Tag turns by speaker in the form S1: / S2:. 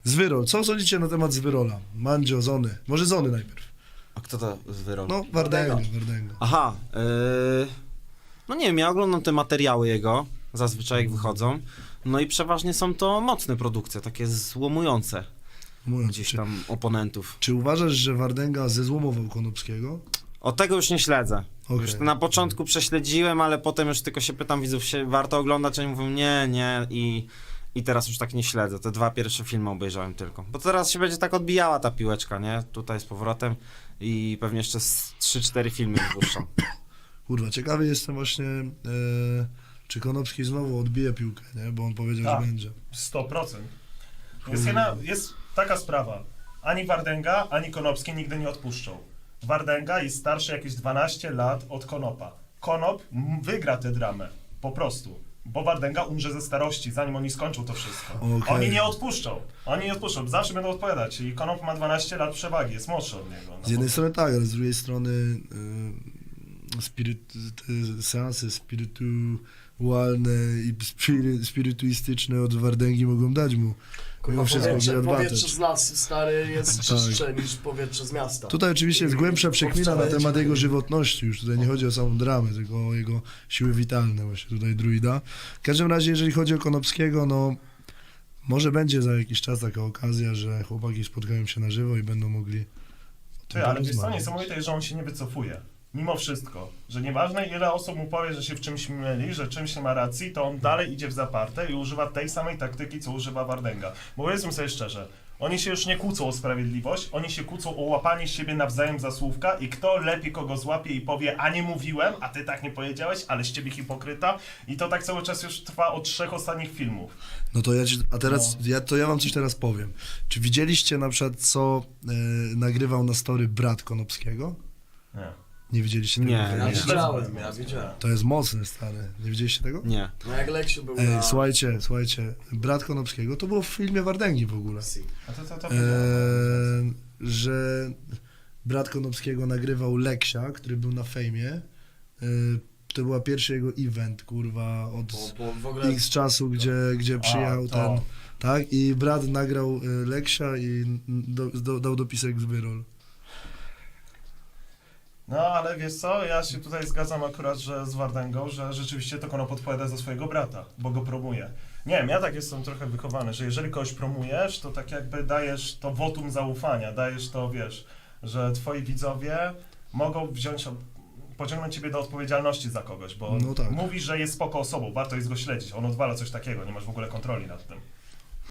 S1: Zwyrol. Co sądzicie na temat Zwyrola? Mandzio, Zony. Może Zony najpierw.
S2: A kto to Zwyrol?
S1: No, Wardęga.
S2: Aha, no nie wiem, ja oglądam te materiały jego, zazwyczaj jak wychodzą, no i przeważnie są to mocne produkcje, takie złomujące
S1: Mówiąc,
S2: gdzieś tam oponentów.
S1: Czy uważasz, że Wardęga zezłomował Konopskiego?
S2: O tego już nie śledzę.
S1: Okej.
S2: Już na początku prześledziłem, ale potem już tylko się pytam widzów, warto oglądać, a oni mówią nie i teraz już tak nie śledzę. Te 2 pierwsze filmy obejrzałem tylko. Bo teraz się będzie tak odbijała ta piłeczka, nie? Tutaj z powrotem i pewnie jeszcze z 3-4 filmy wypuszczą.
S1: Kurwa, ciekawy jestem właśnie, czy Konopski znowu odbije piłkę, nie? Bo on powiedział,
S3: Tak.
S1: że będzie.
S3: 100%. Jest taka sprawa. Ani Wardęga, ani Konopski nigdy nie odpuszczą. Wardęga jest starszy jakieś 12 lat od Konopa. Konop wygra tę dramę. Po prostu. Bo Wardęga umrze ze starości, zanim oni skończą to wszystko.
S1: Okej.
S3: Oni nie odpuszczą. Zawsze będą odpowiadać. I Konop ma 12 lat przewagi, jest młodszy od niego. No
S1: Z jednej strony tak, ale z drugiej strony te seanse spirytualne i spirytuistyczne od Wardęgi mogą dać mu mimo wszystko
S4: Powietrze z lasu, stary, jest
S1: Tak.
S4: czystsze niż powietrze z miasta.
S1: Tutaj oczywiście jest głębsza przekmina na temat jego żywotności, już tutaj nie chodzi o samą dramę, tylko o jego siły witalne właśnie tutaj druida. W każdym razie, jeżeli chodzi o Konopskiego, no może będzie za jakiś czas taka okazja, że chłopaki spotkają się na żywo i będą mogli o tym
S3: Ty, ale wiesz co,
S1: porozmawiać.
S3: niesamowite jest, że on się nie wycofuje. Mimo wszystko, że nieważne ile osób mu powie, że się w czymś myli, że czymś nie ma racji, to on dalej idzie w zaparte i używa tej samej taktyki, co używa Wardęga. Bo powiedzmy sobie szczerze, oni się już nie kłócą o sprawiedliwość, oni się kłócą o łapanie siebie nawzajem za słówka i kto lepiej kogo złapie i powie, a nie mówiłem, a ty tak nie powiedziałeś, ale z ciebie hipokryta. I to tak cały czas już trwa od 3 ostatnich filmów.
S1: No to ja wam coś teraz powiem. Czy widzieliście na przykład, co nagrywał na story brat Konopskiego?
S3: Nie.
S1: Nie widzieliście tego?
S2: Nie,
S4: Ja
S2: nie.
S4: widziałem.
S1: To jest mocne, stary. Nie widzieliście tego?
S2: Nie.
S4: No jak Leksiu był
S1: Ej,
S4: na...
S1: słuchajcie, brat Konopskiego, to było w filmie Wardęgi w ogóle.
S3: A to
S1: Że brat Konopskiego nagrywał Leksia, który był na fejmie. To była pierwszy jego event, kurwa, od
S4: Bo w ogóle...
S1: X czasu, gdzie przyjechał
S3: to.
S1: ten, tak? I brat nagrał Leksia i dał dopisek Zwyrol.
S3: No, ale wiesz co, ja się tutaj zgadzam akurat, że z Wardęgą, że rzeczywiście to Konop odpowiada za swojego brata, bo go promuje. Nie wiem, ja tak jestem trochę wychowany, że jeżeli kogoś promujesz, to tak jakby dajesz to wotum zaufania, dajesz to, wiesz, że twoi widzowie mogą pociągnąć ciebie do odpowiedzialności za kogoś, bo
S1: No tak.
S3: mówisz, że jest spoko osobą, warto jest go śledzić, on odwala coś takiego, nie masz w ogóle kontroli nad tym.